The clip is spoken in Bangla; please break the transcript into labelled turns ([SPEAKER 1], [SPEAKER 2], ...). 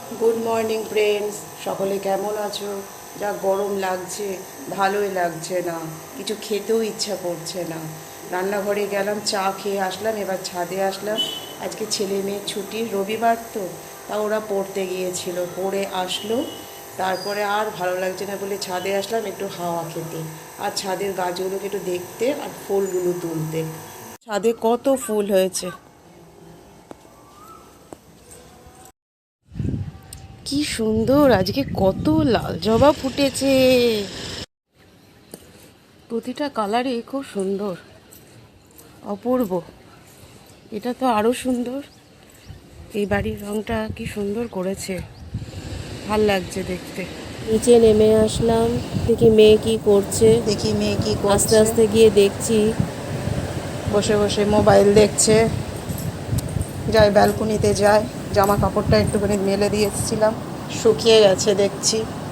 [SPEAKER 1] গুড মর্নিং ফ্রেন্ডস, সকলে কেমন আছো? যা গরম লাগছে, ভালোই লাগছে না, কিছু খেতেও ইচ্ছা করছে না। রান্নাঘরে গেলাম, চা খেয়ে আসলাম, এবার ছাদে আসলাম। আজকে ছেলে মেয়ের ছুটি, রবিবার তো, তা ওরা পড়তে গিয়েছিল, পড়ে আসলো। তারপরে আর ভালো লাগছে না বলে ছাদে আসলাম একটু হাওয়া খেতে, আর ছাদের গাছগুলোকে একটু দেখতে আর ফুলগুলো তুলতে। ছাদে কত ফুল হয়েছে, কি সুন্দর! আজকে কত লাল জবা ফুটেছে, প্রতিটা কালারই খুব সুন্দর, অপূর্ব। এটা তো আরো সুন্দর, এই বাড়ির রংটা কি সুন্দর করেছে, ভাল লাগছে দেখতে।
[SPEAKER 2] নিচে নেমে আসলাম, দেখি মেয়ে কি করছে।
[SPEAKER 1] দেখি মেয়ে কি
[SPEAKER 2] আস্তে
[SPEAKER 1] করছে,
[SPEAKER 2] আস্তে গিয়ে দেখছি
[SPEAKER 1] বসে বসে মোবাইল দেখছে। যাই ব্যালকনিতে যাই, জামা কাপড়টা একটুখানি মেলে দিয়ে এসেছিলাম, শুকিয়ে গেছে দেখছি।